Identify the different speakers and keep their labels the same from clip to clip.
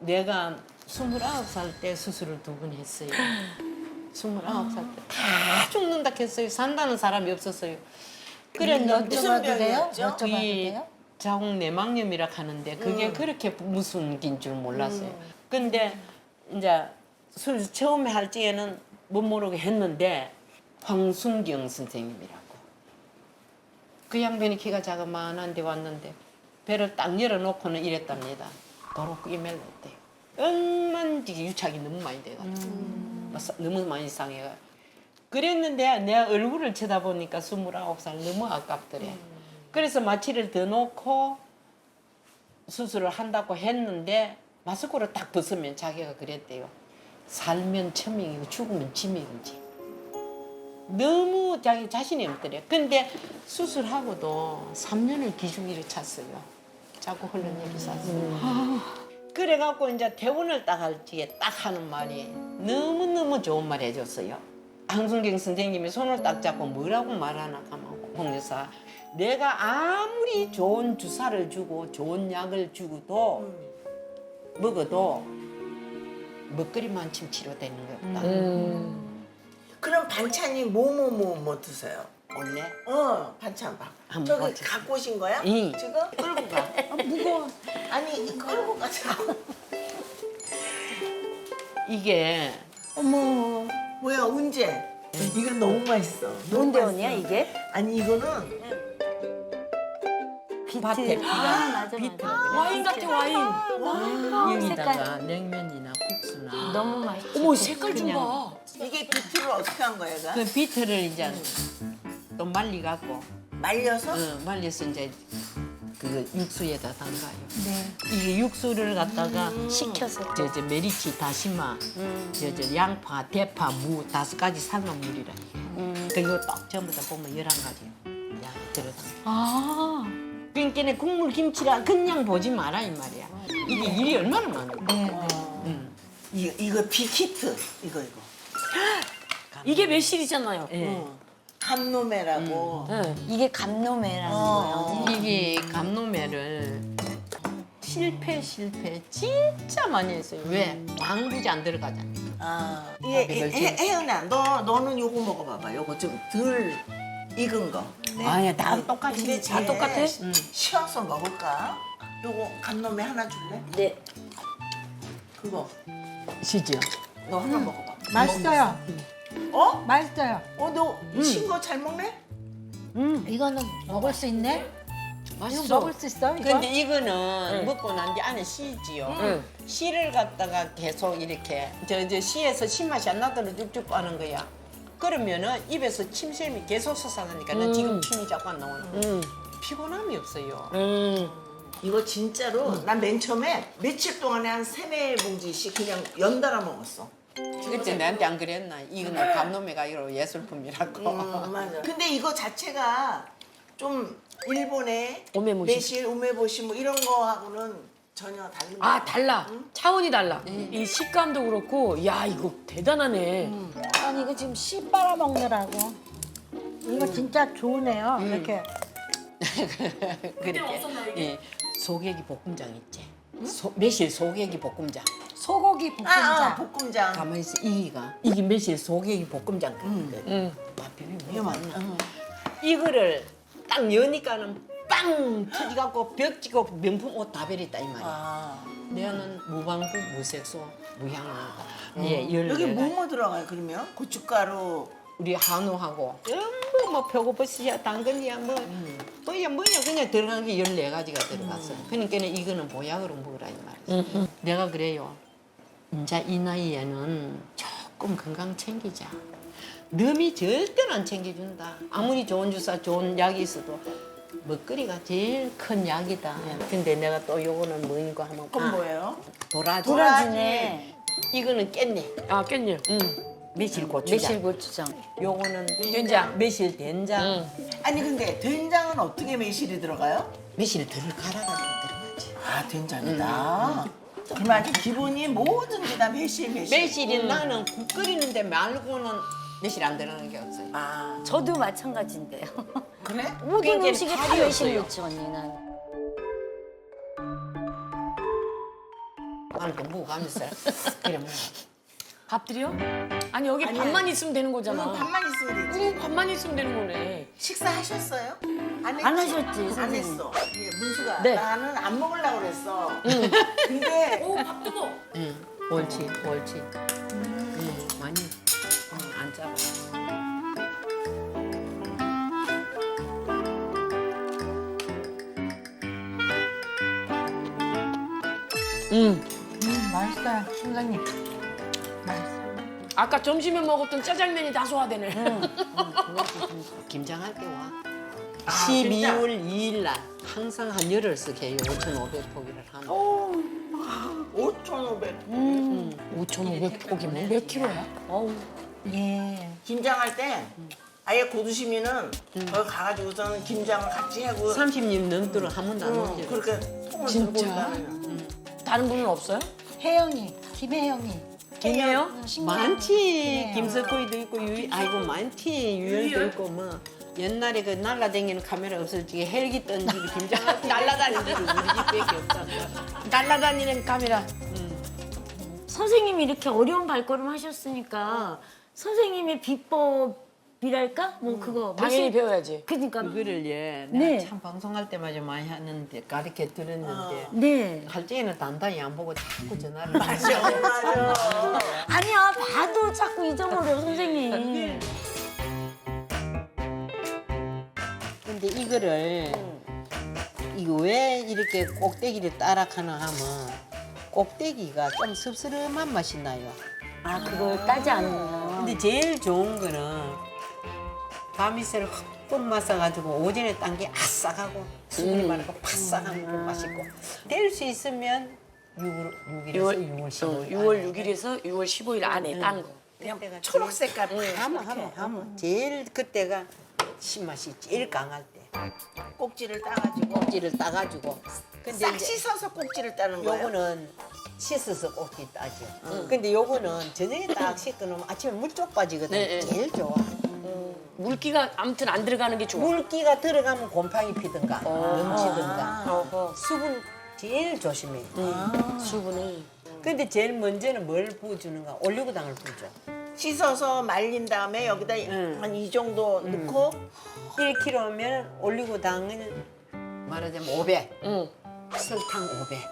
Speaker 1: 내가 29살 때 수술을 2번 했어요. 29살 때 다 죽는다 했어요. 산다는 사람이 없었어요. 그랬는데
Speaker 2: 여쭤봐도 돼요?
Speaker 1: 이
Speaker 2: 여쭤봐도 돼요?
Speaker 1: 자궁 내막염이라 하는데 그게 그렇게 무슨 긴 줄 몰랐어요. 근데 이제 수술 처음에 할 적에는 못 모르게 했는데 황순경 선생님이라고 그 양반이 키가 자그마한데 왔는데 배를 딱 열어놓고는 이랬답니다. 도로 끼멜렸대요. 얼마든지 유착이 너무 많이 돼가지고 너무 많이 상해가. 그랬는데 내가 얼굴을 쳐다보니까 29살 너무 아깝더래. 그래서 마취를 더 놓고 수술을 한다고 했는데 마스크를 딱 벗으면 자기가 그랬대요. 살면 천명이고 죽으면 지명이지. 너무 자기 자신이 없더래. 근데 수술하고도 3년을 기중일을 찼어요. 자꾸 흘러내리 쌌어요. 그래갖고 이제 퇴원을 딱 할 적에 딱 하는 말이 너무너무 좋은 말 해줬어요. 황순경 선생님이 손을 딱 잡고 뭐라고 말하나 하면 홍 여사, 내가 아무리 좋은 주사를 주고 좋은 약을 주고도 먹어도 먹거리만큼 치료되는 게 없다.
Speaker 2: 그럼 반찬이 뭐 드세요?
Speaker 1: 원래
Speaker 2: 반찬 봐.
Speaker 1: 한번
Speaker 2: 저기
Speaker 1: 봐주세요.
Speaker 2: 갖고 오신 거야?
Speaker 1: 응.
Speaker 2: 지금? 끌고 가. 무거워. 아니, 끌고 가자고.
Speaker 1: 이게
Speaker 2: 어머, 뭐야, 언제? 이건 너무 맛있어.
Speaker 3: 뭔데
Speaker 2: 너무
Speaker 3: 언니야
Speaker 2: 맛있어.
Speaker 3: 이게?
Speaker 2: 아니, 이거는
Speaker 1: 밭에
Speaker 3: 맞아
Speaker 1: 비트
Speaker 3: 맞아.
Speaker 4: 와인 같아 와인.
Speaker 1: 여기다가 냉면이나 국수나
Speaker 3: 너무 맛있어.
Speaker 4: 어머 색깔 좀
Speaker 1: 그냥-
Speaker 4: 봐.
Speaker 2: 이게 비트를 어떻게 한 거야, 얘가?
Speaker 1: 그 비트를 이제 또 말리갖고
Speaker 2: 말려서?
Speaker 1: 말려서 이제 그 육수에다 담가요. 이게 육수를 갖다가
Speaker 3: 식혀서.
Speaker 1: 저 메리치, 다시마, 저 양파, 대파, 무 5가지 삶은 물이라. 그리고 딱 전부 다 보면 11가지 양 들어가.
Speaker 4: 아.
Speaker 1: 그러니까 국물 김치라 그냥 보지 마라 이 말이야. 이게 일이 얼마나 많은데.
Speaker 2: 이거 비키트. 이거.
Speaker 4: 이게 매실이잖아요.
Speaker 1: 예.
Speaker 2: 감노매라고.
Speaker 3: 이게 감노매라는 거예요.
Speaker 1: 이게 감노매를 실패 진짜 많이 했어요. 왜? 왕부지 안 들어가잖아.
Speaker 2: 이게 혜연아, 너는 요거 먹어봐봐. 요거 좀 덜 익은 거.
Speaker 1: 아니야, 다 똑같이.
Speaker 2: 근데
Speaker 4: 다 똑같아?
Speaker 2: 쉬어서 먹을까? 요거 감노매 하나 줄래?
Speaker 3: 네.
Speaker 2: 그거
Speaker 1: 시죠.
Speaker 2: 너 하나 먹어봐.
Speaker 5: 맛있어요.
Speaker 2: 어?
Speaker 5: 맛있어요.
Speaker 2: 너 신 거 잘 먹네?
Speaker 5: 이거는 먹을 수 있네? 이거
Speaker 1: 맛있어.
Speaker 5: 먹을 수 있어? 이거?
Speaker 1: 근데 이거는 먹고 난 뒤 안에 씨지요. 씨를 갖다가 계속 이렇게 저 씨에서 신맛이 안 나도록 쭉쭉 빠는 거야. 그러면은 입에서 침샘이 계속 솟아나니까 나 지금 침이 자꾸 안 나오는 거야. 피곤함이 없어요.
Speaker 2: 이거 진짜로 난 맨 처음에 며칠 동안에 한 3-4봉지씩 그냥 연달아 먹었어.
Speaker 1: 그때 나한테 안 그랬나? 이거는 감놈매가 이거 예술품이라고.
Speaker 2: 맞아. 근데 이거 자체가 좀 일본의
Speaker 4: 오메모시.
Speaker 2: 매실, 우메보시 뭐 이런 거하고는 전혀 다른 거.
Speaker 4: 아 달라. 차원이 달라. 이 식감도 그렇고 야 이거 대단하네.
Speaker 5: 아니 이거 지금 씨 빨아 먹느라고. 이거 진짜 좋으네요. 이렇게.
Speaker 1: 그렇게. 예. 소고기 볶음장 있지. 매실 소고기 볶음장.
Speaker 5: 소고기 볶음자.
Speaker 2: 볶음장.
Speaker 1: 가만히 있어. 이게 매실 소고기 볶음장 거거든. 맛 비비면
Speaker 2: 이거 맞나?
Speaker 1: 이거를 딱 여니까는 빵 터지갖고 벽 찍고 명품 옷 다 버렸다 이 말이야. 내는 무방구, 무색소, 무향료다. 예,
Speaker 2: 여기
Speaker 1: 14가지.
Speaker 2: 뭐뭐 들어가요, 그러면? 고춧가루.
Speaker 1: 우리 한우하고 전부 뭐 표고버섯이야 당근이야 뭐야 그냥 들어가는 게 14가지가 들어갔어. 그러니까 이거는 보약으로 먹으라 이 말이지. 내가 그래요. 이제 이 나이에는 조금 건강 챙기자. 너미 절대로 안 챙겨준다. 아무리 좋은 주사, 좋은 약이 있어도 먹거리가 제일 큰 약이다. 근데 내가 또 요거는 뭐인가 하면
Speaker 2: 그건 뭐예요?
Speaker 1: 도라지.
Speaker 3: 도라지네.
Speaker 1: 이거는 깻잎.
Speaker 4: 아 깻잎.
Speaker 1: 매실 고추장.
Speaker 3: 매실 고추장.
Speaker 1: 요거는
Speaker 4: 된장.
Speaker 1: 매실 된장.
Speaker 2: 아니 근데 된장은 어떻게 매실이 들어가요?
Speaker 1: 매실 덜 갈아가지고 들어가지.
Speaker 2: 아, 된장이다. 그럼 아주 기본이 뭐든지 다 매실.
Speaker 1: 매실이 나는 국 끓이는데 말고는 매실 안 들어가는 게 없어요.
Speaker 2: 아,
Speaker 3: 저도 마찬가지인데요.
Speaker 2: 그래?
Speaker 3: 모든
Speaker 1: 그게
Speaker 3: 음식에 다
Speaker 1: 칼이
Speaker 3: 매실
Speaker 1: 없어요.
Speaker 3: 넣지 언니는.
Speaker 1: 이렇게 먹어가면서 그래 먹어.
Speaker 4: 밥들이요? 아니 여기 밥만 있으면 되는 거잖아.
Speaker 2: 밥만 있으면 되지.
Speaker 4: 밥만 있으면 되는 거네.
Speaker 2: 식사하셨어요? 안
Speaker 3: 안
Speaker 2: 했지?
Speaker 3: 하셨지,
Speaker 2: 안
Speaker 3: 선생님.
Speaker 2: 했어. 예, 문수가
Speaker 4: 네.
Speaker 2: 나는 안 먹으려고 그랬어. 근데
Speaker 4: 밥도 먹어.
Speaker 1: 응, 옳지, 옳지. 응, 많이 안 짜고.
Speaker 5: 맛있어요, 선생님. 맛있어.
Speaker 4: 아까 점심에 먹었던 짜장면이 다 소화되네.
Speaker 1: 김장할 때 와.
Speaker 2: 아,
Speaker 1: 12월 2일 날 항상 한 열흘씩 해요. 5,500포기를 하면.
Speaker 2: 5,500.
Speaker 4: 5,500포기면 몇 킬로야? 어우.
Speaker 5: 예.
Speaker 2: 김장할 때 아예 고두시미는 거기 가가지고서는 김장을 같이 하고
Speaker 1: 30년 넘도록 한 번도 안 먹지.
Speaker 2: 그렇게 통을
Speaker 4: 진짜?
Speaker 2: 들고 있다는.
Speaker 4: 다른 분은 없어요?
Speaker 5: 혜영이, 김혜영이.
Speaker 4: 김이에요?
Speaker 1: 많지. 김석호이도 있고 아이고 많지. 유연도 있고 뭐. 옛날에 그 날라다니는 카메라 없어지게 헬기 던지고 김장할 때 날라다니는 우리 집밖에 없다.
Speaker 4: 날라다니는 카메라.
Speaker 3: 선생님이 이렇게 어려운 발걸음 하셨으니까 선생님의 비법이랄까? 뭐 그거
Speaker 4: 당연히
Speaker 3: 멋있-
Speaker 4: 배워야지.
Speaker 3: 그러니까
Speaker 1: 그거를 예,
Speaker 3: 네.
Speaker 1: 내가 참 방송할 때마다 많이 하는데 가르쳐 들었는데
Speaker 3: 네.
Speaker 1: 할 때는 단단히 안 보고 자꾸 전화를
Speaker 2: 맞아, 맞아.
Speaker 3: 아니야 봐도 자꾸 잊어버려 선생님.
Speaker 1: 근데 이거를 이거 왜 이렇게 꼭대기를 따라가나 하면 꼭대기가 좀 씁쓸한 맛이 나요.
Speaker 3: 아 그걸 따지 않으면.
Speaker 1: 근데 제일 좋은 거는 밤이슬 흠뻑 마사가지고 오전에 딴 게 아싸하고 수분이 많고 바싹한 거 맛있고 될 수 있으면 6일에서 6월 15일
Speaker 4: 6월 6일에서 6월 15일 안에 딴 거.
Speaker 2: 그냥 초록 색깔
Speaker 1: 하면 제일 그때가 신맛이 제일 강할 때
Speaker 2: 꼭지를 따가지고
Speaker 1: 꼭지를 따가지고 근데
Speaker 2: 싹
Speaker 1: 이제
Speaker 2: 씻어서 꼭지를 따는 거예요.
Speaker 1: 요거는 씻어서 꼭지 따죠. 근데 요거는 저녁에 딱 씻고 놓으면 아침에 물쪽 빠지거든.
Speaker 4: 네, 네.
Speaker 1: 제일 좋아.
Speaker 4: 물기가 아무튼 안 들어가는 게 좋아.
Speaker 1: 물기가 들어가면 곰팡이 피든가 넘치든가
Speaker 4: 어허.
Speaker 1: 수분 제일 조심해.
Speaker 4: 수분을.
Speaker 1: 근데 제일 먼저는 뭘 부어주는가? 올리고당을 부어줘.
Speaker 2: 씻어서 말린 다음에 여기다 한 이 정도 넣고
Speaker 1: 1kg면 올리고당을 말하자면 500,
Speaker 4: 응.
Speaker 1: 설탕 500.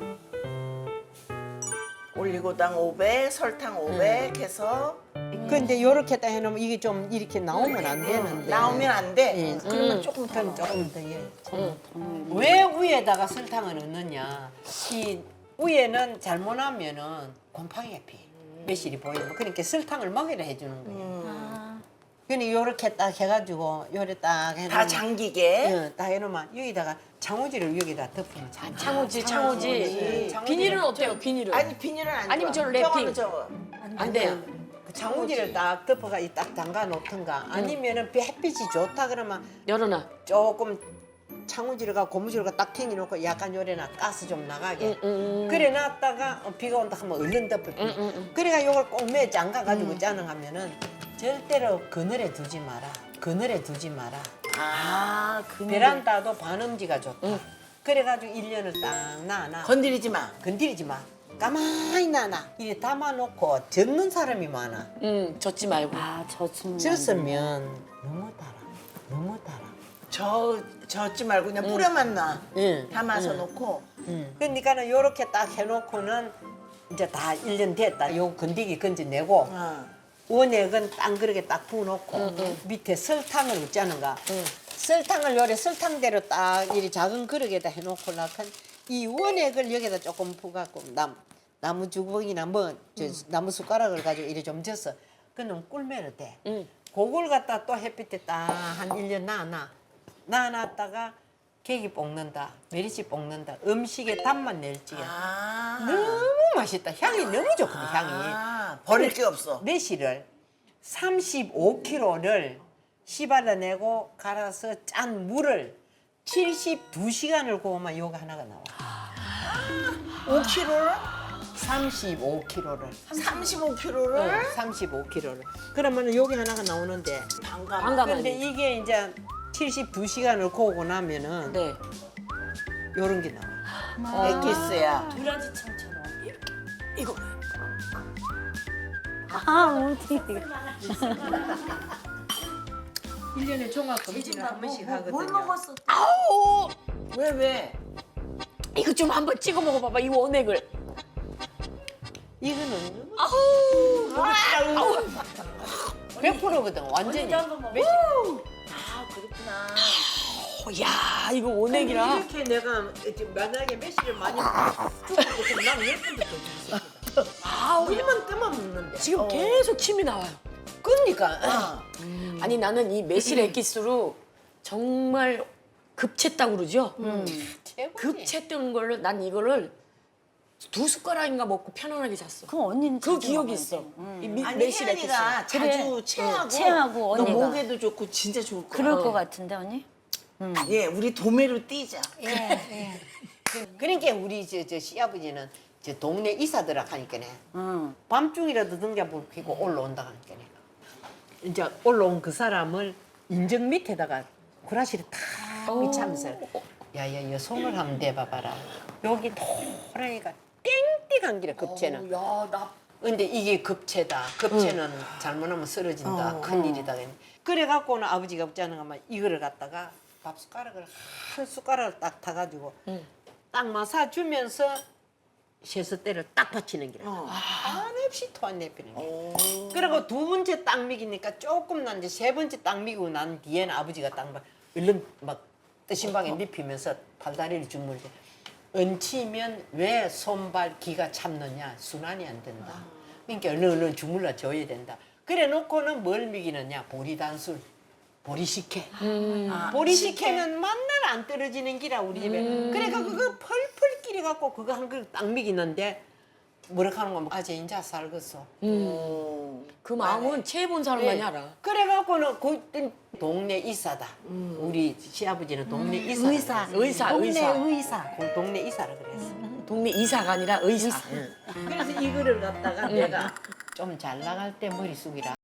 Speaker 2: 올리고당 500, 설탕 500 해서
Speaker 1: 근데 요렇게 딱 해놓으면 이게 좀 이렇게 나오면 안 되는데.
Speaker 2: 나오면 안 돼.
Speaker 1: 예, 그러면 조금 더 예. 왜 위에다가 설탕을 넣느냐? 이 위에는 잘못하면은 곰팡이가 피. 매실이 보이면 그러니까 설탕을 먹이라 해주는 거예요. 그러니 요렇게 딱 해가지고 요래 딱 해놓으면
Speaker 2: 다 잠기게.
Speaker 1: 예, 딱 해놓으면 여기다가 창호지를 여기다 덮으면 잘.
Speaker 4: 창호지.
Speaker 1: 창호지.
Speaker 4: 비닐은 어때요? 비닐은?
Speaker 2: 아니 비닐은 안
Speaker 4: 아니면
Speaker 2: 좋아.
Speaker 4: 저 랩핑.
Speaker 2: 저거는 저거.
Speaker 4: 안 돼요.
Speaker 1: 그 창호지를 딱 덮어가 딱 담가 놓든가 아니면은 햇빛이 좋다 그러면
Speaker 4: 열어놔.
Speaker 1: 조금 창호지를가 고무줄을 딱 튕겨놓고 약간 요래나 가스 좀 나가게 그래 놨다가 비가 온다 하면 얼른 덮을 그래가 요걸 꼭 매 잠가가지고 짜능하면은 절대로 그늘에 두지 마라. 그늘에 두지 마라.
Speaker 3: 아
Speaker 1: 베란다도 반음지가 좋다. 그래가지고 1년을 딱 놔놔.
Speaker 2: 건드리지 마.
Speaker 1: 건드리지 마. 가만히 놔놔. 이래 담아놓고 젓는 사람이 많아.
Speaker 4: 젖지 말고.
Speaker 3: 아 젖으면
Speaker 1: 젖으면 너무 달아. 너무 달아.
Speaker 2: 젓지 말고 그냥 뿌려만 놔.
Speaker 1: 응.
Speaker 2: 담아서
Speaker 1: 응.
Speaker 2: 놓고.
Speaker 1: 그러니까는 요렇게 딱 해놓고는 이제 다 1년 됐다. 요 건더기 건져내고 원액은 딴 그릇에 딱 부어놓고 밑에 설탕을 넣자는가. 설탕을 요래 설탕대로 딱 이리 작은 그릇에다 해놓고 나간 이 원액을 여기다 조금 부갖고 나무 주걱이나 뭐 나무 숟가락을 가지고 이리 좀 져서 그놈 꿀매를 돼. 그걸 갖다 또 햇빛에 딱 한 1년 놔놨다가 계기 볶는다, 메리치 볶는다, 음식에 단맛 낼지야. 너무 맛있다. 향이 너무 좋거든, 향이.
Speaker 2: 버릴 게 없어.
Speaker 1: 매실을 35kg를 씹어내고 갈아서 짠 물을 72시간을 구우면 요거 하나가 나와.
Speaker 2: 5kg를?
Speaker 1: 35kg를.
Speaker 2: 35kg를?
Speaker 1: 35kg를. 그러면 여기 하나가 나오는데.
Speaker 4: 반가마니.
Speaker 1: 근데 이게 이제 72시간을 구우고 나면은
Speaker 4: 네.
Speaker 1: 요런 게 나와.
Speaker 2: 엑기스야.
Speaker 3: 도라지청처럼
Speaker 4: 이거
Speaker 3: 아, 어떻게.
Speaker 1: 1년에 종합 검진을 한 번씩 하거든요.
Speaker 3: 뭘 먹었어?
Speaker 4: 아우
Speaker 2: 왜?
Speaker 4: 이거 좀 한번 찍어 먹어봐봐 이 원액을.
Speaker 1: 이거는
Speaker 4: 아우
Speaker 1: 100%거든. 완전히.
Speaker 3: 아, 그렇구나.
Speaker 4: 야 이거 원액이라.
Speaker 1: 이렇게 내가 만약에 매실을 많이 주고 난 10분도 더 주고
Speaker 4: 아우
Speaker 1: 물만 뜨면 먹는데.
Speaker 4: 지금 계속 침이 나와요.
Speaker 1: 그러니까
Speaker 4: 아니 나는 이 매실 액기스로 정말 급챘다고 그러죠.
Speaker 1: 최고지.
Speaker 4: 급챘던 걸로 난 이거를 2숟가락인가 먹고 편안하게 잤어.
Speaker 3: 그럼 언니는
Speaker 4: 그
Speaker 3: 자주
Speaker 4: 기억이
Speaker 3: 먹어야
Speaker 4: 있어.
Speaker 3: 돼.
Speaker 4: 이
Speaker 2: 아니
Speaker 4: 매실 액기스.
Speaker 2: 혜연이가 자주 체하고,
Speaker 3: 체하고
Speaker 2: 너
Speaker 3: 언니가.
Speaker 2: 목에도 좋고 진짜 좋을 거야.
Speaker 3: 그럴 것 같은데, 언니?
Speaker 2: 예, 우리 도매로 뛰자.
Speaker 1: 그러니까 우리 저 시아버지는 저 동네 이사들아 하니까네.
Speaker 3: 응.
Speaker 1: 밤중이라도 등자불 켜고 올라온다 하니까 내가. 이제 올라온 그 사람을 인정 밑에다가 구라시를 탁 미치면서 야야 여 손을 한번 대봐봐라. 여기 노란이가 땡땡한 길에 급체는.
Speaker 4: 야나
Speaker 1: 근데 이게 급체다. 급체는 잘못하면 쓰러진다. 큰일이다. 그래갖고는 아버지가 없자는 가만 이거를 갖다가 밥 숟가락을 한 숟가락을 딱 타가지고 딱 마사주면서 쇠서대를 딱 받치는 기라. 한없이 토안 내피는 게. 그리고 두 번째 딱 미기니까 조금 난 이제 세 번째 딱 미고 난 뒤에는 아버지가 딱 막 얼른 막 뜨신방에 눕히면서 팔다리를 주물대. 얹히면 왜 손발 기가 참느냐 순환이 안 된다. 그러니까 얼른 주물러 줘야 된다. 그래 놓고는 뭘 미기느냐 보리단술. 보리식혜. 보리식혜는 만날 안 떨어지는 기라 우리 집에. 그러니까 그거 펄펄 끼리 갖고 그거 한 그릇 딱 미기는데 뭐라 하는 거면 아재 인자 살겠어.
Speaker 4: 그 마음은 체해본 사람만이 알아.
Speaker 1: 그래갖고는 그 동네 이사다. 우리 시아버지는 동네 이사.
Speaker 4: 의사,
Speaker 5: 동네
Speaker 4: 의사.
Speaker 5: 의사.
Speaker 1: 동네 이사라 그랬어.
Speaker 4: 동네 이사가 아니라 의사.
Speaker 1: 그래서 이거를 갖다가 내가 좀 잘 나갈 때 머리 숙이라.